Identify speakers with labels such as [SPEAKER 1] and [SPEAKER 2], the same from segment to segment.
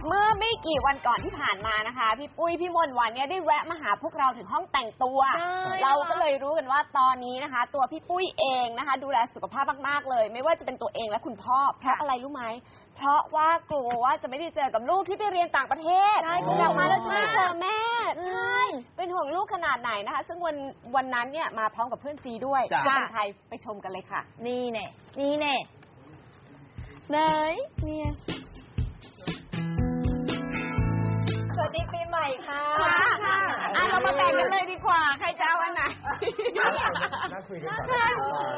[SPEAKER 1] เมื่อไม่กี่วันก่อนที่ผ่านมานะคะพี่ปุ้ยพี่มนต์วันเนี่ยได้แวะมาหาพวกเราถึงห้องแต่งตัวเราก็เลยรู้กันว่าตอนนี้นะคะตัวพี่ปุ้ยเองนะคะดูแลสุขภาพมากๆเลยไม่ว่าจะเป็นตัวเองและคุณพ่อเพราะอะไรรู้ไหมเพราะว่ากลัวว่าจะไม่ได้เจอกับลูกที่ไปเรียนต่างประเทศกลับมาแล้วจะไม่เจอแม่ใช่เป็นห่วงลูกขนาดไหนนะคะซึ่งวันนั้นเนี่ยมาพร้อมกับเพื่อนซีด้วยจะเป็นใครไปชมกันเลยค่ะนี่เน่ไหนเนี่ยสวัสดีปีใหม่ค่ะเรามาแบ่งกันเลยดีกว่าใครจะเอาอันไหน
[SPEAKER 2] นั่งคุยกันก่อน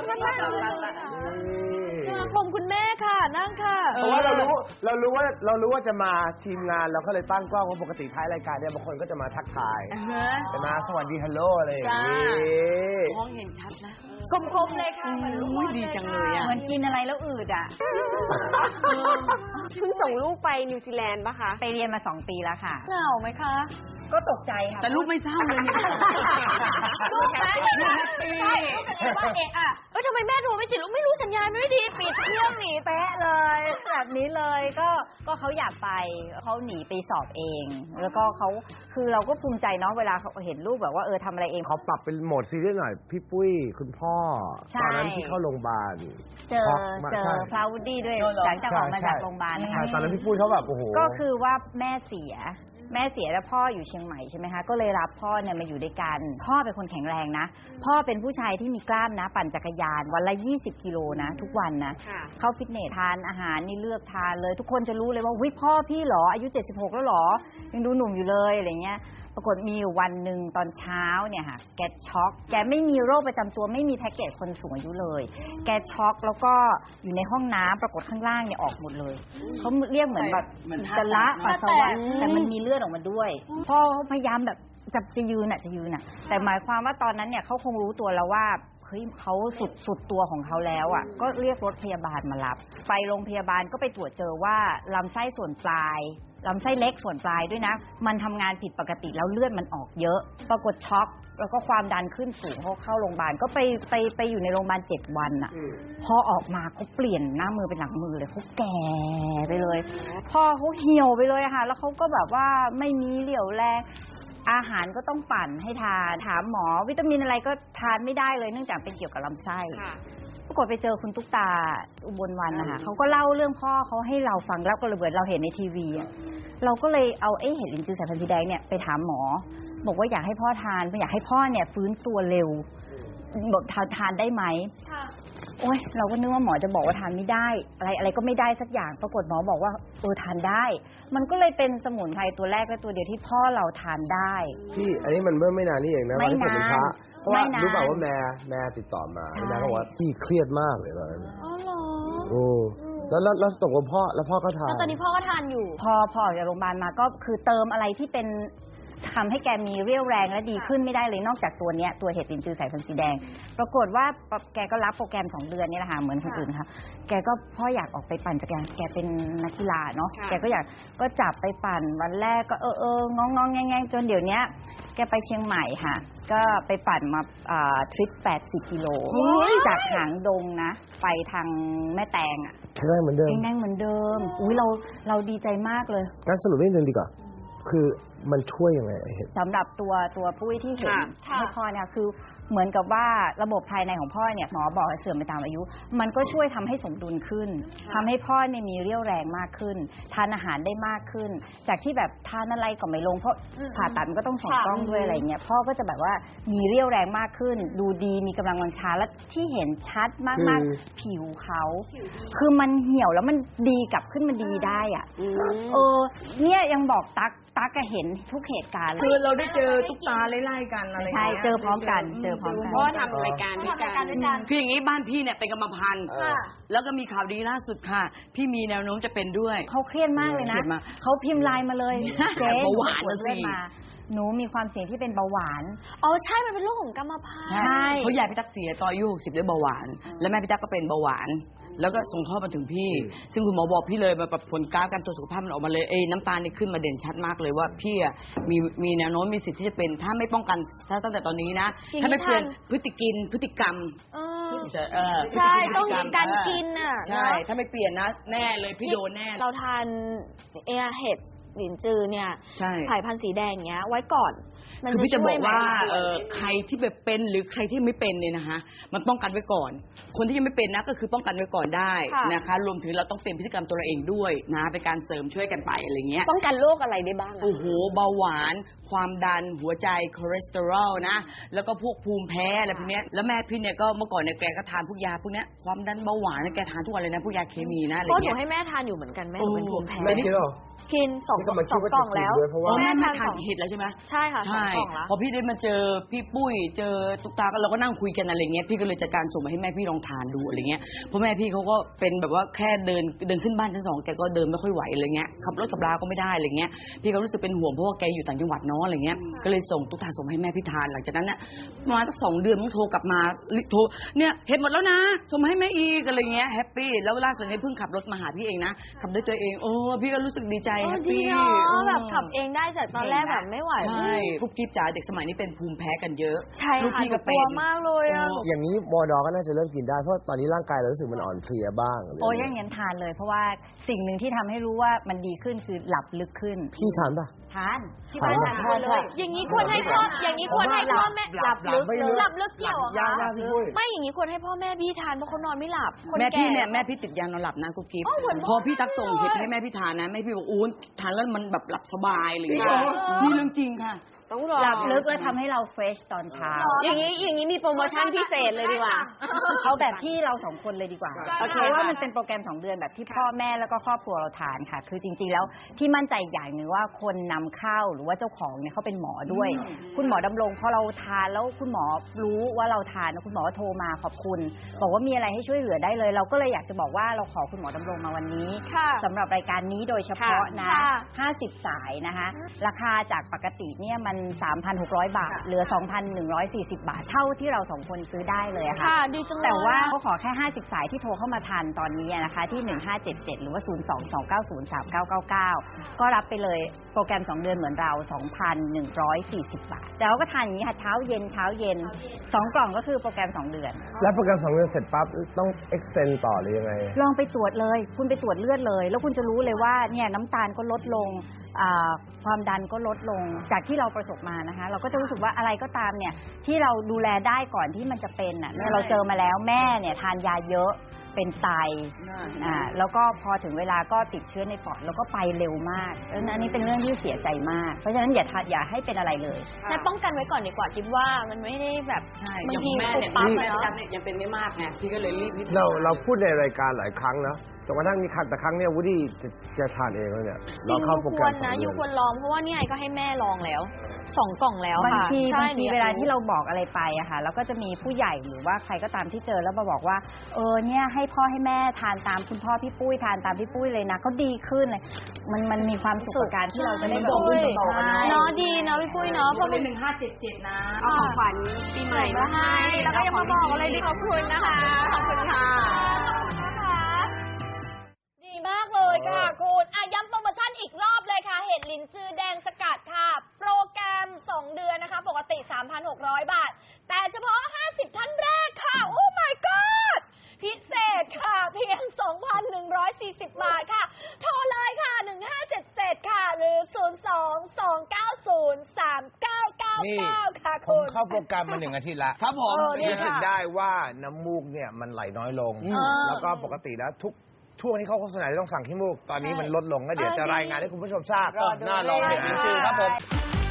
[SPEAKER 3] ผมคุณแม่ค่ะนั่งค่ะ
[SPEAKER 2] เพราะว่าเรารู้ว่าจะมาทีมงานเราก็เลยตั้งกล้องเพราะปกติท้ายรายการเนี่ยบางคนก็จะมาทักทายจะมาสวัสดีฮัลโหลอะไรอย่างนี้
[SPEAKER 3] มองเห็นชัดนะ
[SPEAKER 1] คมๆเลยค่ะเหมือนลูก
[SPEAKER 3] ดีจังเลยอ่ะ
[SPEAKER 1] เหมือนกินอะไรแล้วอืดอ่ะเพิ่งส่งลูกไปนิวซีแลนด์ป่ะคะไปเรียนมา2 ปีแล้วค่ะ
[SPEAKER 3] เหงาไหมคะ
[SPEAKER 1] ก็ตกใจค่ะ
[SPEAKER 3] แต่ลูกไม่เศร้าเลยเนี่ย
[SPEAKER 1] ลูกแฮปปี้ว่าเอกอ่ะทำไมแม่โทรไม่ติดลูกไม่รู้สัญญาณไม่ดีปิดเครื่องหนีเป๊ะเลยแบบนี้เลยก็เขาอยากไปเขาหนีไปสอบเองแล้วก็เขาคือเราก็ภูมิใจเนาะเวลาเขาเห็นลูกแบบว่าทำอะไรเอง
[SPEAKER 2] เขาปรับเป็นโหมดซีเรียสหน่อยพี่ปุ้ยคุณพ่อตอนนั้นที่เข้าโรงพยาบาล
[SPEAKER 1] เจอพลาวดี้ด้วยหลังจากออกมาจากโรงพยาบาล
[SPEAKER 2] ตอนนั้นพี่ปุ้ยเขาแบบโอ้โห
[SPEAKER 1] ก็คือว่าแม่เสียแล้วพ่ออยู่เชียงใหม่ใช่ไหมคะก็เลยรับพ่อเนี่ยมาอยู่ด้วยกันพ่อเป็นคนแข็งแรงนะพ่อเป็นผู้ชายที่มีกล้ามนะปั่นจักรยานวันละ20 กิโลนะทุกวันนะเข้าฟิตเนสทานอาหารนี่เลือกทานเลยทุกคนจะรู้เลยว่าวิพ่อพี่เหรออายุ76แล้วเหรอยังดูหนุ่มอยู่เลยอะไรเงี้ยปรากฏมีวันหนึ่งตอนเช้าเนี่ยค่ะแกช็อกแกไม่มีโรคประจำตัวไม่มีแพ็กเกจคนสูงอายุเลยแกช็อกแล้วก็อยู่ในห้องน้ำปรากฏข้างล่างเนี่ยออกหมดเลยเขาเรียกเหมือนแบบจะละปัสสาวะแต่มันมีเลือดออกมาด้วยพ่อพยายามแบบจะยืนแต่หมายความว่าตอนนั้นเนี่ยเขาคงรู้ตัวแล้วว่าเฮ้ยเขาสุดตัวของเขาแล้วอ่ะก็เรียกรถพยาบาลมารับไปโรงพยาบาลก็ไปตรวจเจอว่าลำไส้ส่วนปลายลำไส้เล็กส่วนปลายด้วยนะมันทำงานผิดปกติแล้วเลือดมันออกเยอะปรากฏช็อกแล้วก็ความดันขึ้นสูงเขาเข้าโรงพยาบาลก็ไปอยู่ในโรงพยาบาล7 วันอ่ะพอออกมาเขาเปลี่ยนหน้ามือเป็นหลังมือเลยเขาแก่ไปเลยพ่อเขาเหี่ยวไปเลยค่ะแล้วเขาก็แบบว่าไม่มีเหลี่ยวแรงอาหารก็ต้องปั่นให้ทานถามหมอวิตามินอะไรก็ทานไม่ได้เลยเนื่องจากเป็นเกี่ยวกับลำไส้ปรากฏไปเจอคุณตุ๊กตาอุบลวรรณนะคะเขาก็เล่าเรื่องพ่อเขาให้เราฟังแล้วก็เลยเหมือนเราเห็นในทีวีเราก็เลยเอาเห็ดลิ้นจือสายพันธุ์สีแดงเนี่ยไปถามหมอบอกว่าอยากให้พ่อทานอยากให้พ่อเนี่ยฟื้นตัวเร็วบอกทานได้ไหมโอ๊ยเราก็นึกว่าหมอจะบอกว่าทานไม่ได้อะไรก็ไม่ได้สักอย่างปรากฏหมอบอกว่าทานได้มันก็เลยเป็นสมุนไพรตัวแรกและตัวเดียวที่พ่อเราทานได้
[SPEAKER 2] พี่อันนี้มันเมื่อไม่นานนี่เองนะวันที่ผมเป็นพระเพราะว่ารู้เปล่าว่าแม่ติดต่อมาแม่เขาบอกว่าพี่เครียดมากเลยตอนนั้น
[SPEAKER 1] อ๋อเหรอ
[SPEAKER 2] โอ้แล้วตกลงพ่อก็ทาน
[SPEAKER 1] ตอนนี้พ่อก็ทานอยู่พอออกจากโรงพยาบาลมาก็คือเติมอะไรที่เป็นทำให้แกมีเรี่ยวแรงและดีขึ้นไม่ได้เลยนอกจากตัวเนี้ยตัวเห็ดลิ้นจือสายพันธุ์สีแดงปรากฏว่าแกก็รับโปรแกรม2 เดือนนี่แหละค่ะเหมือนคนอื่นค่ะแกก็พ่ออยากออกไปปั่นจักรยานแกเป็นนักกีฬาเนาะแกก็อยากก็จับไปปั่นวันแรกก็งองแงงจนเดี๋ยวนี้แกไปเชียงใหม่ค่ะก็ไปปั่นมาทริป80 กิโลจากหางดงนะไปทางแม่แตงอ่ะ
[SPEAKER 2] แข็งแรงเหมือนเดิม
[SPEAKER 1] อุ้ยเราดีใจมากเลย
[SPEAKER 2] งั้นสรุปนิดนึงดีกว่าคือมันช่วยยังไง
[SPEAKER 1] สำหรับตัวปุ้ยที่เห็นให้พ่อเนี่ยคือเหมือนกับว่าระบบภายในของพ่อเนี่ยหมอบอกเสื่อมไปตามอายุมันก็ช่วยทำให้สมดุลขึ้นทำให้พ่อเนี่ยมีเรี่ยวแรงมากขึ้นทานอาหารได้มากขึ้นจากที่แบบทานอะไรก็ไม่ลงเพราะผ่าตัดมันก็ต้องส่องกล้องด้วยอะไรเงี้ยพ่อก็จะแบบว่ามีเรี่ยวแรงมากขึ้นดูดีมีกำลังวังชาและที่เห็นชัดมากๆผิวเขาคือมันเหี่ยวแล้วมันดีกลับขึ้นมาดีได้อ่ะเนี่ยยังบอกตั๊กก็เห็นทุกเหตุการณ์
[SPEAKER 3] คือเราได้เจอตุ๊กตาไล่ๆกันอะไร
[SPEAKER 1] ใช่เจอพร้อมกัน
[SPEAKER 3] เพราะทำรายการด้วยกันคืออย่างนี้บ้านพี่เนี่ยเป็นกรรมพันธุ์แล้วก็มีข่าวดีล่าสุดค่ะพี่มีแนวโน้มจะเป็นด้วย
[SPEAKER 1] เขาเครียดมากเลยนะเขาพิมพ์ไลน์มาเลย
[SPEAKER 3] เจ๊เบาหวานนะสิ
[SPEAKER 1] หนูมีความเสี่ยงที่เป็นเบาหวานใช่มันเป็นโรคของกรรมพันธุ์
[SPEAKER 3] ใช่เพราะยายพี่ตั๊กเสียตอนอายุ60ด้วยเบาหวานและแม่พี่ตั๊กก็เป็นเบาหวานแล้วก็ส่งทอดมาถึงพี่ซึ่งคุณหมอบอกพี่เลยแบบผลการตรวจสุขภาพมันออกมาเลยน้ำตาลนี่ขึ้นมาเด่นชัดมากเลยว่าพี่มีแนวโน้มมีสิทธิ์ที่จะเป็นถ้าไม่ป้องกันตั้งแต่ตอนนี้นะถ้าไม่เปลี่ยนพฤติกรรม
[SPEAKER 1] ใช่ต้องการกิน
[SPEAKER 3] ใช่ถ้าไม่เปลี่ยนนะแน่เลยพี่โดนแน่
[SPEAKER 1] เราทานเห็ด
[SPEAKER 4] หลินจือเนี่ย
[SPEAKER 3] ใช่
[SPEAKER 4] สายพันธุ์สีแดงอย่างเงี้ยไว้ก่อนมัน
[SPEAKER 3] คือพี่จะ
[SPEAKER 4] ช่
[SPEAKER 3] บ
[SPEAKER 4] ว
[SPEAKER 3] อย ก
[SPEAKER 4] ไหม
[SPEAKER 3] ว่าใครที่แบบเป็นหรือใครที่ไม่เป็นเนี่ยนะคะมันป้องกันไว้ก่อน คนที่ยังไม่เป็นนะก็คือป้องกันไว้ก่อนได้นะคะรวมถึงเราต้องเปลี่ยนพฤติกรรมตัวเราเองด้วยนะเป็นการเสริมช่วยกันไปอะไรเงี้ย
[SPEAKER 4] ป้องกันโรคอะไรได้บ้างอะ
[SPEAKER 3] โอ้โหเบาหวานความดันหัวใจคอเลสเตอรอลนะแล้วก็พวกภูมิแพ้อะไรพวกเนี้ยแล้วแม่พี่เนี่ยก็เมื่อก่อนเนี่ยแกก็ทานพวกยาพวกเนี้ยความดันเบาหวานเนี่ยแกทานทุกวันเลยนะพวกยาเคมีนะอะไร
[SPEAKER 4] เพราะหนู
[SPEAKER 3] เงี้ย
[SPEAKER 4] ให้แม่ทานอยู่เหมือนกันแม่หนูเป็นภูมิแพ้
[SPEAKER 2] แม่กินหรอ
[SPEAKER 4] กินสอง
[SPEAKER 2] นี่ก็มาคิดว่า
[SPEAKER 4] กล่องแล้ว
[SPEAKER 2] จะกินด้วยเพราะว่า
[SPEAKER 3] แม่
[SPEAKER 4] ทา
[SPEAKER 3] ทาน
[SPEAKER 4] สอง
[SPEAKER 3] เห็ดแล้วใช่ไหม
[SPEAKER 4] ใช่ค่ะสอง
[SPEAKER 3] ใช่
[SPEAKER 4] กล่องแล้ว
[SPEAKER 3] พอพี่ได้มาเจอพี่ปุ้ยเจอตุ๊กตาก็เราก็นั่งคุยกันอะไรเงี้ยพี่ก็เลยจัดการส่งมาให้แม่พี่ลองทานดูอะไรเงี้ยเพราะแม่พี่เขาก็เป็นแบบว่าแค่เดินขึ้นบ้านชั้น 2แกก็เดินไม่ค่อยไหวอะไรเงี้ยขับรถขับลาก็ไม่ได้อะไรเงี้ยพี่ก็รู้สึกเป็นห่วงเพราะว่าแกอยู่ต่างจังหวัดเนาะอะไรเงี้ยก็เลยส่งตุ๊กตาส่งมาให้แม่พี่ทานหลังจากนั้นเนี่ยประมาณสัก2 เดือนต้องโทรกลับมาโทรเนี่ยเห็ดหมดแล้วนะส่งมาให้แม่อีกอะไรเงี้ยแฮปปี้แล้วล่าสุดนี้เพิ่งขับรถมาหาพี่เองนะขับด้วยตัวเองโอ้พี่ก็รู้สึกดีใจแฮป
[SPEAKER 4] ดี
[SPEAKER 3] ปี้
[SPEAKER 4] เนาะแบบขับเองได้จากตอนแรกแบบไม่ไหว
[SPEAKER 3] ใช่ทุกกิ๊บจ๋าเด็กสมัยนี้เป็นภูมิแพ้กันเยอะ
[SPEAKER 4] ใช่
[SPEAKER 3] ลูก
[SPEAKER 4] ค่ะ
[SPEAKER 3] พี่
[SPEAKER 4] หนู
[SPEAKER 3] ก็
[SPEAKER 4] ก
[SPEAKER 3] เป็
[SPEAKER 4] ลัวน มากเลยอะ
[SPEAKER 2] อย่างนี้วอดอก็น่าจะเริ่มกินได้เพราะตอนนี้ร่างกายเรารู้สึกมันอ่อนเพลียบ้าง
[SPEAKER 1] โอ้ยอย่างนั้นทานเลย เพราะว่าสิ่งหนึ่งที่ทำให้รู้ว่ามันดีขึ้นคือหลับลึกขึ้น
[SPEAKER 2] พี่ทานป่ะ
[SPEAKER 1] ทานที่บ้านทานทุกคนเลย
[SPEAKER 4] อย่างนี้ควรให้พ่ออย่างนี้ควรให้พ่อแม่
[SPEAKER 1] หลับลึก
[SPEAKER 2] ไม่
[SPEAKER 1] เล
[SPEAKER 2] ลึ
[SPEAKER 1] ย
[SPEAKER 2] ก
[SPEAKER 4] หลับลึกเกี่ยวเหรอ
[SPEAKER 2] ยัง
[SPEAKER 4] คะ
[SPEAKER 2] นะพี่ปุ้ย
[SPEAKER 4] ไม่อย่างนี้ควรให้พ่อแม่พี่ทานเพราะเขานอนไม่หลับคน
[SPEAKER 3] แม่
[SPEAKER 4] แก่
[SPEAKER 3] พี่เนี่ยแม่พี่ติดยานอนหลับนะกุ๊กกิ๊บ
[SPEAKER 4] อ๋อเหมือน
[SPEAKER 3] พอพี่ตักส่ง
[SPEAKER 4] พ่อ
[SPEAKER 3] เห็ด
[SPEAKER 4] เลย
[SPEAKER 3] ให้แม่พี่ทานนะแม่พี่บอกอู้ทานแล้วมันแบบหลับสบายเลย
[SPEAKER 4] จริงเหรอ
[SPEAKER 3] นี่เรื่องจริงค่ะ
[SPEAKER 4] ต้องรอ
[SPEAKER 1] หลับลึกแล้วทำให้เราเฟรชตอนเช้า
[SPEAKER 4] อย่างนี้มีโปรโมชั่นพิเศษเลยดีกว่า
[SPEAKER 1] เอาแบบที่เรา2 คนเลยดีกว่า
[SPEAKER 4] โอเค
[SPEAKER 1] เพราะว่ามันเป็นโปรแกรม2 เดือนแบบที่พ่อแม่แล้วก็ครอบครัวเราทานค่ะ คือจริงๆแล้วที่มั่นใจอีกอย่างหนึ่งว่าคนนำเข้าหรือว่าเจ้าของเนี่ยเขาเป็นหมอด้วย คุณหมอดำรงพอเราทานแล้วคุณหมอรู้ว่าเราทานคุณหมอก็โทรมาขอบคุณ บอกว่ามีอะไรให้ช่วยเหลือได้เลย เราก็เลยอยากจะบอกว่าเราขอคุณหมอดำรงมาวันนี้
[SPEAKER 4] ค่ะ
[SPEAKER 1] สำหรับรายการนี้โดยเฉพาะนะ
[SPEAKER 4] ค่ะ
[SPEAKER 1] 50 สายนะคะ ราคาจากปกติเนี่ยมัน 3,600 บาท เหลือ 2,140 บาท เท่าที่เรา2 คนซื้อได้เลยอะค่ะ
[SPEAKER 4] ค่ะดีจังเลย
[SPEAKER 1] แต่ว่าเขาขอแค่ 50 สายที่โทรเข้ามาทันตอนนี้นะคะ ที่ 1577 หรือว่า 022903999 ก็รับไปเลยโปรแกรม 2 เดือนเหมือนเรา 2,140 บาท แต่เราก็ทานอย่างนี้ค่ะ เช้าเย็น 2 กล่องก็คือโปรแกรม 2 เดือน
[SPEAKER 2] แล้วโปรแกรม2 เดือนเสร็จปั๊บต้อง extend ต่อหรือยังไง
[SPEAKER 1] ลองไปตรวจเลย คุณไปตรวจเลือดเลย แล้วคุณจะรู้เลยว่าเนี่ยน้ำตาลก็ลดลงความดันก็ลดลง จากที่เราประสบมานะคะ เราก็จะรู้สึกว่าอะไรก็ตามเนี่ยที่เราดูแลได้ก่อนที่มันจะเป็นอ่ะเนี่ยเราเจอมาแล้วแม่เนี่ยทานยาเยอะเป็นไตแล้วก็พอถึงเวลาก็ติดเชื้อในปอดแล้วก็ไปเร็วมากแล้วอันนี้เป็นเรื่องที่เสียใจมาก เพราะฉะนั้นอย่าให้เป็นอะไรเลย
[SPEAKER 4] ให้ป้องกันไว้ก่อนดีกว่าคิดว่ามันไม่ได้แบบ
[SPEAKER 3] ใช่
[SPEAKER 4] บางที
[SPEAKER 3] อย่างแม่เนี่ย
[SPEAKER 4] ปุ๊บปั๊บ
[SPEAKER 3] แม่
[SPEAKER 4] อะ
[SPEAKER 3] พี่ตั๊
[SPEAKER 4] เนาะ
[SPEAKER 3] กเนี่ยยังเป็นไม่มากไงพี่ก็เลยรีบพี่
[SPEAKER 2] เราพูดในรายการหลายครั้งนะจนกระทั่งมีครั้งแต่ครั้งเนี้ยวูดดี้จะทานเองแล้วเนี่ย
[SPEAKER 4] จริง
[SPEAKER 2] เข้า
[SPEAKER 4] ยู
[SPEAKER 2] โปร
[SPEAKER 4] ค
[SPEAKER 2] แกร
[SPEAKER 4] ว
[SPEAKER 2] ม
[SPEAKER 4] ร
[SPEAKER 2] 2
[SPEAKER 4] นะ
[SPEAKER 2] เดื
[SPEAKER 4] ยู
[SPEAKER 2] อน
[SPEAKER 4] ควรลองเพราะว่านี่ไอก็ให้แม่ลองแล้ว2 กล่องแล้ว
[SPEAKER 1] บาง
[SPEAKER 4] ค่ะ
[SPEAKER 1] ที
[SPEAKER 4] ใช่
[SPEAKER 1] เวลาที่เราบอกอะไรไปอะค่ะแล้วก็จะมีผู้ใหญ่หรือว่าใครก็ตามที่เจอแล้วมาบอกว่าเนี่ยให้พ่อให้แม่ทานตามคุณพ่อพี่ปุ้ยทานตามพี่ปุ้ยเลยนะเขาดีขึ้นเลยมันมีความสุขกับการที่เราจะได้บอก
[SPEAKER 4] พี่ปุ้ย
[SPEAKER 1] ต่อๆกัน
[SPEAKER 4] เนาะดีเนาะพี่ปุ้ยเนาะเพราะ
[SPEAKER 3] เล
[SPEAKER 4] มัน
[SPEAKER 3] ย1577นะ
[SPEAKER 4] เอาของขวัญปีใหม่มาให้แล้วก็ยังมาบอกอะไรดีขอบคุณนะคะขอบคุณค่ะดีมากเลยค่ะคุณย้ำโปรโมชั่นอีกรอบเลยค่ะเห็ดหลินจือแดงสกัดค่ะโปรแกรม2 เดือนนะคะปกติ 3,600 บาท แต่เฉพาะ50ท่านแรกค่ะโอ้ my god พิเศษค่ะเพียง 2,140 บาทค่ะโทรเลยค่ะ1577ค่ะหรือ 022903999 ค่ะ
[SPEAKER 2] ผม
[SPEAKER 4] คุณ
[SPEAKER 2] เข้าโปรแกรมมา1 อาทิตย์ละ
[SPEAKER 3] ครับผม
[SPEAKER 2] รู้สึกได้ว่าน้ำมูกเนี่ยมันไหลน้อยลง แล้วก็ปกติแล้วทุกช่วงที่เขาโฆษณาจะต้องสั่งขี้มูก ตอนนี้มันลดลงก็เดี๋ยวจะรายงานให้คุณผู้ชมทราบ
[SPEAKER 4] รอดู
[SPEAKER 2] น่าลอง
[SPEAKER 4] เลย
[SPEAKER 2] เห็นจริงๆครับผม
[SPEAKER 4] ค่ะ